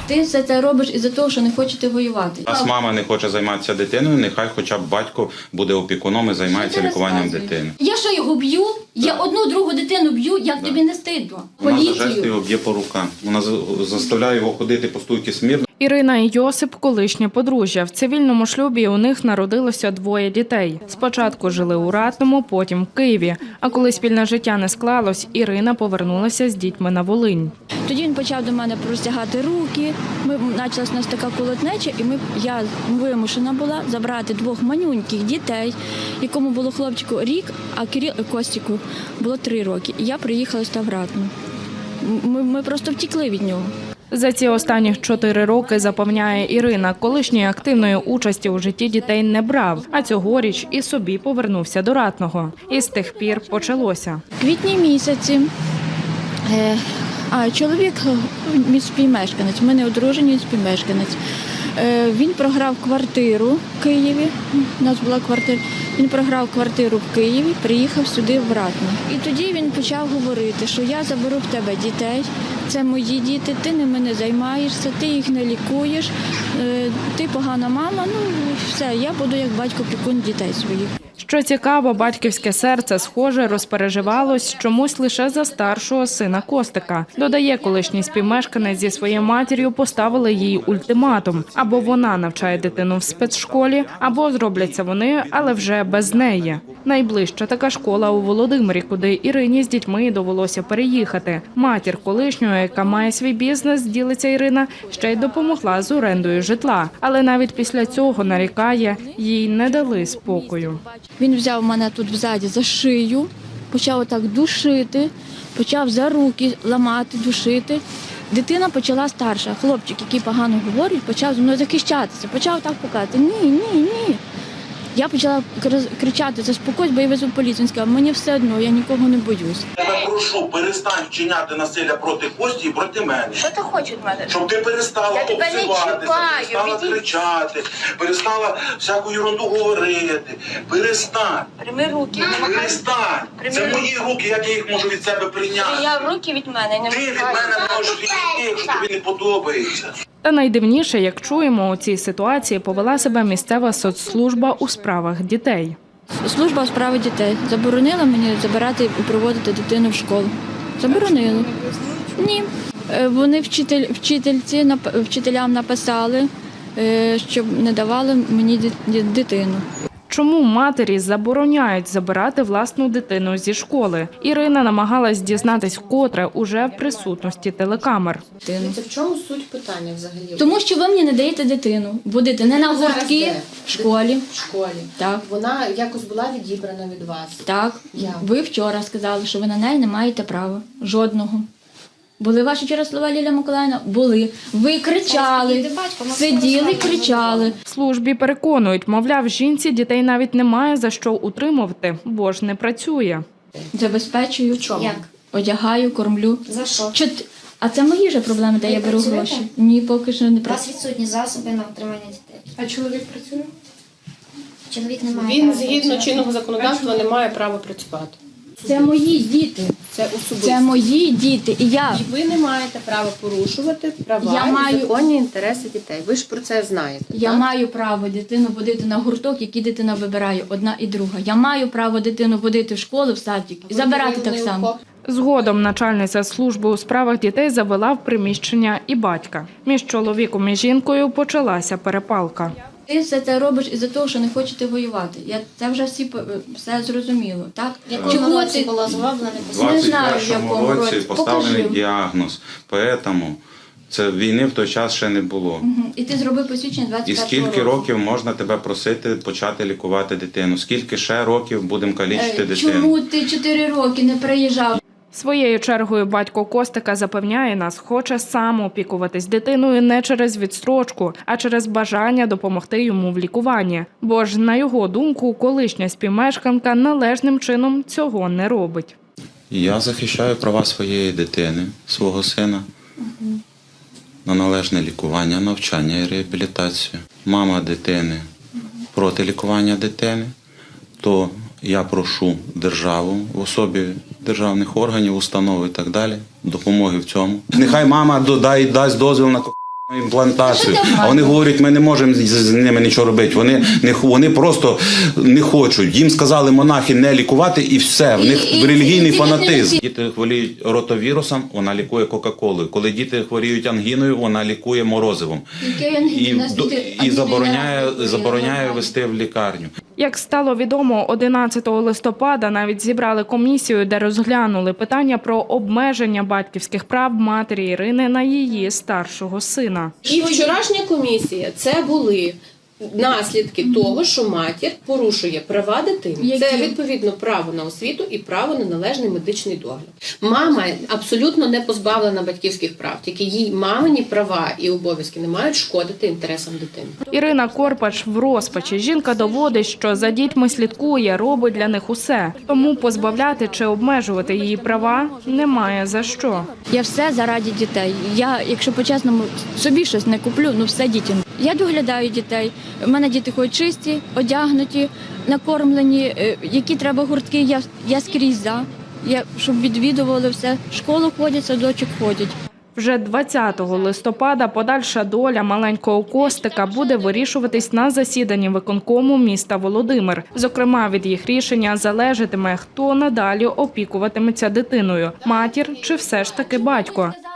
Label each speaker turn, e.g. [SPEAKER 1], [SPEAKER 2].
[SPEAKER 1] Ти все це робиш із-за того, що не хочете воювати.
[SPEAKER 2] Раз мама не хоче займатися дитиною, нехай хоча б батько буде опікуном і займається лікуванням дитини.
[SPEAKER 1] Я що, його б'ю? Я одну, другу дитину б'ю, як тобі не стидно?
[SPEAKER 2] Вона за жести його б'є по рукам. Вона заставляє його ходити по стойці смірно.
[SPEAKER 3] Ірина і Йосип – колишнє подружжя. В цивільному шлюбі у них народилося 2 дітей. Спочатку жили у Ратному, потім в Києві. А коли спільне життя не склалось, Ірина повернулася з дітьми на Волинь.
[SPEAKER 1] Тоді він почав до мене простягати руки, почалась у нас така колотнеча, і я вимушена була забрати 2 манюньких дітей, якому було хлопчику рік, а Костіку було 3 роки. І я приїхала сюди в Ратну. Ми просто втекли від нього.
[SPEAKER 3] За ці останні 4 роки, запевняє Ірина, колишньої активної участі у житті дітей не брав, а цьогоріч і собі повернувся до Ратного. І з тих пір почалося.
[SPEAKER 1] В квітні місяці чоловік співмешканець, ми не одружені, він співмешканець. Він програв квартиру в Києві, у нас була квартира, він програв квартиру в Києві, приїхав сюди в Ратне. І тоді він почав говорити, що я заберу в тебе дітей, це мої діти, ти ними не займаєшся, ти їх не лікуєш, ти погана мама, все, я буду як батько-опікун дітей своїх.
[SPEAKER 3] Що цікаво, батьківське серце, схоже, розпереживалось чомусь лише за старшого сина Костика. Додає, колишній співмешканець зі своєю матір'ю поставили їй ультиматум. Або вона навчає дитину в спецшколі, або зробляться вони, але вже без неї. Найближча така школа у Володимирі, куди Ірині з дітьми довелося переїхати. Матір колишнього, яка має свій бізнес, ділиться Ірина, ще й допомогла з орендою житла. Але навіть після цього, нарікає, їй не дали спокою.
[SPEAKER 1] Він взяв мене тут взаді за шию, почав отак душити, почав за руки ламати, душити. Дитина почала старша. Хлопчик, який погано говорить, почав зі мною захищатися, почав так показати. Ні. Я почала кричати, заспокойся, бо я везу поліцію. Він сказав, мені все одно, я нікого не боюсь.
[SPEAKER 4] Я тебе прошу, перестань вчиняти насилля проти Кості і проти мене.
[SPEAKER 5] Що ти хочеш від мене?
[SPEAKER 4] Щоб ти перестала обзиватися, перестала кричати, перестала всяку ерунду говорити. Перестань.
[SPEAKER 5] Прийми руки.
[SPEAKER 4] Перестань. Це мої руки, як я їх можу від себе прийняти.
[SPEAKER 5] Я в руки від мене не
[SPEAKER 4] Ти від мене можеш відійти, якщо тобі не подобається.
[SPEAKER 3] Та найдивніше, як чуємо, у цій ситуації повела себе місцева соцслужба у справах дітей.
[SPEAKER 1] Служба у справах дітей заборонила мені забирати і проводити дитину в школу. Заборонили. Ні. Вони вчителям написали, щоб не давали мені дитину.
[SPEAKER 3] Чому матері забороняють забирати власну дитину зі школи? Ірина намагалась дізнатись вкотре уже в присутності телекамер.
[SPEAKER 6] В чому суть питання взагалі?
[SPEAKER 1] Тому що ви мені не даєте дитину. Будете не на гуртки, в школі.
[SPEAKER 6] В школі.
[SPEAKER 1] Так.
[SPEAKER 6] Вона якось була відібрана від вас?
[SPEAKER 1] Так.
[SPEAKER 6] Як?
[SPEAKER 1] Ви вчора сказали, що ви на неї не маєте права. Жодного. Були ваші вчора слова, Лілія Миколаївна? Були. Ви кричали, сиділи, кричали.
[SPEAKER 3] В службі переконують, мовляв, жінці дітей навіть немає за що утримувати, бо ж не працює.
[SPEAKER 1] Забезпечую.
[SPEAKER 6] Як?
[SPEAKER 1] Одягаю, кормлю.
[SPEAKER 6] За що?
[SPEAKER 1] А це мої ж проблеми, де я беру
[SPEAKER 7] працюєте?
[SPEAKER 1] гроші. Ні, поки що не
[SPEAKER 7] У вас
[SPEAKER 1] працюю.
[SPEAKER 7] відсутні засоби на утримання дітей.
[SPEAKER 6] А чоловік працює?
[SPEAKER 7] Чоловік не має
[SPEAKER 6] Він
[SPEAKER 7] права
[SPEAKER 6] згідно
[SPEAKER 7] працювати.
[SPEAKER 6] чинного законодавства не має права працювати.
[SPEAKER 1] Це мої діти.
[SPEAKER 6] Це особисто.
[SPEAKER 1] Це мої діти. І я.
[SPEAKER 6] І ви не маєте права порушувати права
[SPEAKER 1] Я
[SPEAKER 6] і
[SPEAKER 1] маю-
[SPEAKER 6] законні інтереси дітей. Ви ж про це знаєте.
[SPEAKER 1] Я
[SPEAKER 6] так?
[SPEAKER 1] маю право дитину водити на гурток, який дитина вибирає, одна і друга. Я маю право дитину водити в школу, в садик і забирати так само.
[SPEAKER 3] Згодом начальниця служби у справах дітей завела в приміщення і батька. Між чоловіком і жінкою почалася перепалка.
[SPEAKER 1] Ти все це робиш із-за того, що не хочете воювати. Це вже все зрозуміло, так?
[SPEAKER 7] В якому році було зроблено?
[SPEAKER 2] У
[SPEAKER 1] Не знаю, в
[SPEAKER 2] 21
[SPEAKER 1] якому році.
[SPEAKER 2] році поставлений
[SPEAKER 1] Покажи.
[SPEAKER 2] діагноз. Тому це війни в той час ще не було.
[SPEAKER 1] І ти зробив посвідчення 21
[SPEAKER 2] І скільки років можна тебе просити почати лікувати дитину? Скільки ще років будемо калічити дитину?
[SPEAKER 1] Чому ти 4 роки не приїжджав?
[SPEAKER 3] Своєю чергою батько Костика запевняє нас, хоче сам опікуватись дитиною не через відстрочку, а через бажання допомогти йому в лікуванні. Бо ж, на його думку, колишня співмешканка належним чином цього не робить.
[SPEAKER 2] Я захищаю права своєї дитини, свого сина, на належне лікування, навчання і реабілітацію. Мама дитини проти лікування дитини, то я прошу державу в особі державних органів, установ і так далі, допомоги в цьому. Нехай мама дасть дозвіл на імплантацію. А вони говорять, ми не можемо з ними нічого робити. Вони просто не хочуть. Їм сказали монахи не лікувати і все. В них релігійний фанатизм. Діти хворіють ротовірусом, вона лікує Кока-Колою. Коли діти хворіють ангіною, вона лікує морозивом. І забороняє вести в лікарню.
[SPEAKER 3] Як стало відомо, 11 листопада навіть зібрали комісію, де розглянули питання про обмеження батьківських прав матері Ірини на її старшого сина.
[SPEAKER 6] І вчорашня комісія – це були наслідки того, що матір порушує права дитини. Це, відповідно, право на освіту і право на належний медичний догляд. Мама абсолютно не позбавлена батьківських прав, тільки їй мамині права і обов'язки не мають шкодити інтересам дитини.
[SPEAKER 3] Ірина Корпач в розпачі. Жінка доводить, що за дітьми слідкує, робить для них усе. Тому позбавляти чи обмежувати її права немає за що.
[SPEAKER 1] Я все заради дітей. Я, якщо по-чесному, собі щось не куплю, ну все дітям. Я доглядаю дітей. У мене діти ходять чисті, одягнуті, накормлені. Які треба гуртки, я скрізь за. Щоб відвідували все. В школу ходять, садочок ходять.
[SPEAKER 3] Вже 20 листопада подальша доля маленького Костика буде вирішуватись на засіданні виконкому міста Володимир. Зокрема, від їх рішення залежатиме, хто надалі опікуватиметься дитиною – матір чи все ж таки батько.